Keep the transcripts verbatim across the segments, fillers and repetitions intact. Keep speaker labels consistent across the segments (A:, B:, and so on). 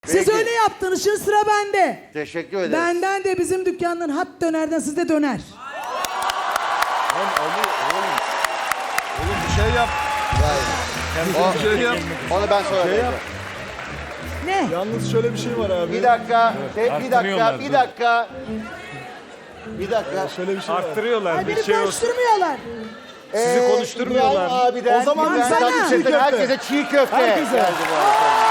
A: Siz
B: Peki.
A: öyle yaptınız. Şimdi sıra bende.
B: Teşekkür ederim.
A: Benden de bizim dükkanın hat dönerden sizde döner.
C: Oğlum, oğlum, oğlum bir şey yap.
B: O,
C: Bir şey yap.
B: onu ben sonra
C: Şey
B: vereceğim.
C: yap.
A: Ne?
C: Yalnız şöyle bir şey var abi.
B: Bir dakika, şey, bir dakika,
D: arttırıyorlar,
B: bir
D: dur.
B: dakika. Bir dakika.
C: Şöyle bir şey var.
D: Arttırıyorlar
A: Ay
D: bir
A: beni
D: şey olsun.
A: konuşturmuyorlar.
D: Sizi
B: Ee,
D: konuşturmuyorlar.
B: İbrahim abiden,
C: O zaman
B: İbrahim
A: sana.
B: Tatlıses'ten
C: Çiğ köfte.
B: herkese çiğ köfte.
C: Herkese.
B: geldi bu arada.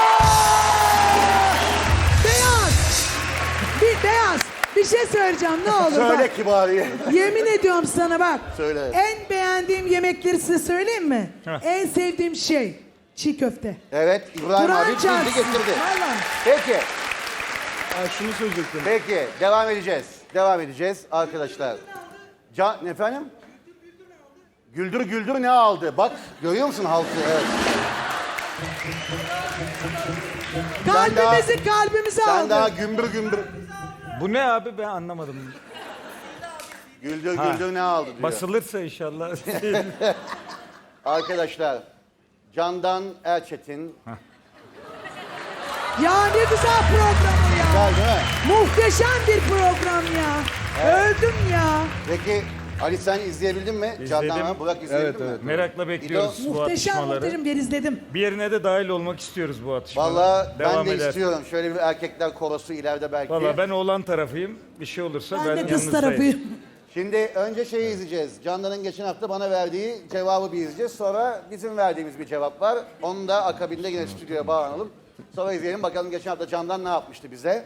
A: Beyaz. Bir beyaz. Bir şey söyleyeceğim ne olur
B: Söyle
A: bak.
B: kibariye.
A: Yemin ediyorum sana bak.
B: Söyle.
A: En beğendiğim yemekleri size söyleyeyim mi?
D: Heh.
A: En sevdiğim şey çiğ köfte.
B: Evet, İbrahim
A: Kur'an
B: abi bildi
A: çarpsın.
B: getirdi.
A: Vallahi.
B: Peki,
C: Ha, şunu söyleyecektim.
B: peki. Devam edeceğiz. Devam edeceğiz arkadaşlar. Can, efendim? Güldür güldür ne aldı? Bak, görüyor musun halkı? Evet.
A: Kalbimizi kalbimizi
B: Sen
A: aldı.
B: daha gümbür gümbür.
D: Bu ne abi ben anlamadım.
B: Güldür
D: Ha.
B: güldür ne aldı diyor.
D: Basılırsa inşallah.
B: Arkadaşlar, Candan Erçetin.
A: Ya ne güzel program o ya.
B: Güzel değil mi?
A: Muhteşem bir program ya. Öldüm ya.
B: Peki Ali sen izleyebildin mi? Candan Burak izleyebildin
C: Evet,
B: mi?
C: evet.
D: Merakla bekliyoruz bu
A: Muhteşem
D: atışmaları.
A: muhteşem ben izledim.
D: Bir yerine de dahil olmak istiyoruz bu atışmalara.
B: Valla ben
D: Devam
B: de
D: eder.
B: istiyorum. Şöyle bir erkekler korosu ileride belki.
D: Valla ben oğlan tarafıyım. Bir şey olursa ben,
A: Ben de kız
D: yanınızdayım.
A: tarafıyım.
B: Şimdi önce şeyi izleyeceğiz. Candan'ın geçen hafta bana verdiği cevabı bir izleyeceğiz. Sonra bizim verdiğimiz bir cevap var. Onu da akabinde yine stüdyoya bağlanalım. Sonra izleyelim bakalım geçen hafta Candan ne yapmıştı bize.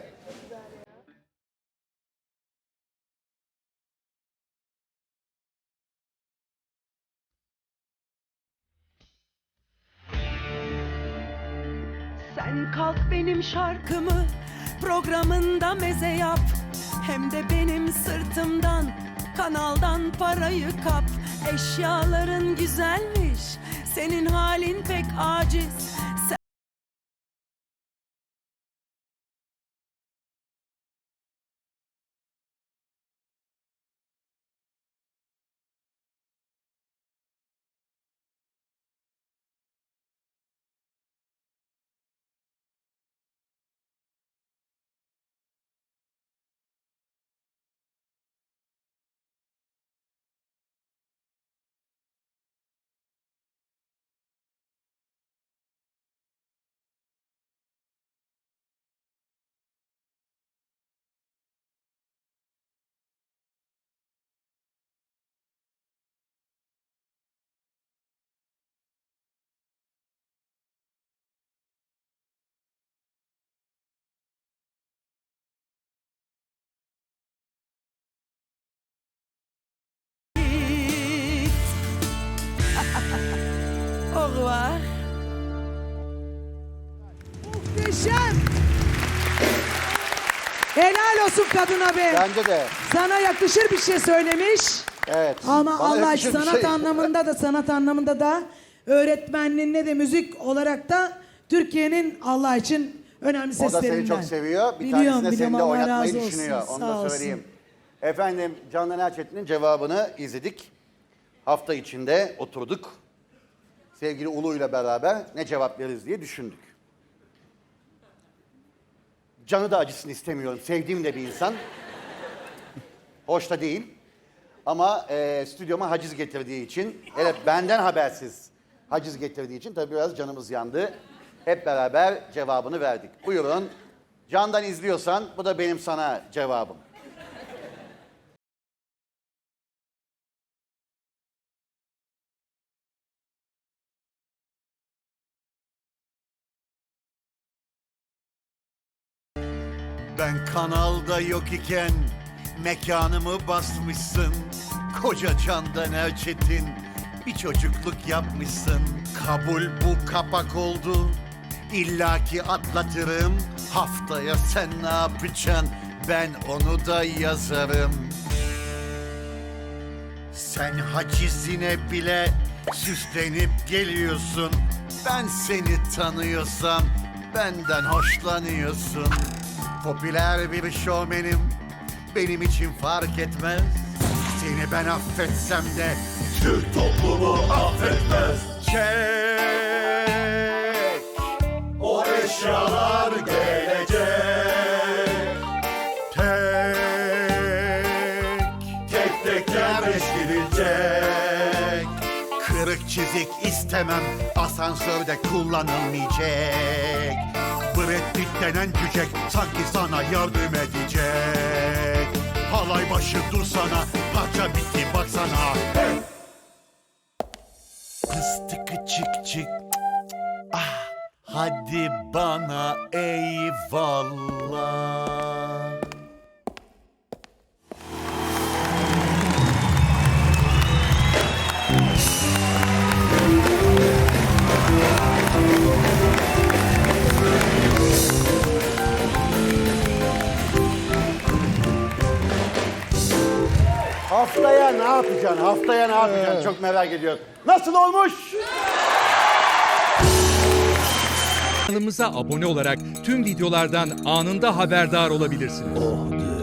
E: Sen kalk benim şarkımı programında meze yap. Hem de benim sırtımdan kanaldan parayı kap. Eşyaların güzelmiş, senin halin pek aciz. Sen git. Au revoir.
A: Muhteşem. Helal olsun kadına be.
B: Bence de.
A: Sana yakışır bir şey söylemiş.
B: Evet.
A: Ama
B: Bana
A: Allah
B: yakışır bir
A: sanat
B: şey.
A: anlamında da sanat anlamında da öğretmenliğinde de müzik olarak da Türkiye'nin Allah için önemli
B: O da
A: seslerinden.
B: seni çok seviyor. Bir
A: Biliyorum,
B: tanesini de
A: biliyorum.
B: seninle
A: Allah
B: oynatmayı
A: razı olsun.
B: düşünüyor. Onu
A: Sağ
B: da
A: olsun.
B: söyleyeyim. Efendim Candan Erçetin'in cevabını izledik. Hafta içinde oturduk. Sevgili Ulu ile beraber ne cevap veririz diye düşündük. Canı da acısını istemiyorum. Sevdiğim de bir insan. Hoş da değil. Ama e, stüdyoma haciz getirdiği için, hele benden habersiz haciz getirdiği için tabii biraz canımız yandı. Hep beraber cevabını verdik. Buyurun. Candan izliyorsan bu da benim sana cevabım.
F: Ben kanalda yok iken mekanımı basmışsın. Koca Candan Erçetin bir çocukluk yapmışsın. Kabul bu kapak oldu. İllaki atlatırım. Haftaya sen ne yapacaksın? Ben onu da yazarım. Sen hacizine bile süslenip geliyorsun. Ben seni tanıyorsam benden hoşlanıyorsun. Popüler bir şovmenim, benim için fark etmez. Seni ben affetsem de Türk toplumu affetmez. Çek o eşyalar gelecek. Tek tek tek yerleştirilecek. Kırık çizik istemem, asansörde kullanılmayacak. Brad Pitt denen cücek sanki sana yardım edecek. Halay başı dursana, parça bitti baksana. Hey! Fıstıkı çık çık. Ah, hadi bana eyvallah.
B: Haftaya ne yapacaksın? Haftaya ne yapacaksın? Çok merak ediyorum. Nasıl olmuş?
G: Kanalımıza abone olarak tüm videolardan anında haberdar olabilirsiniz.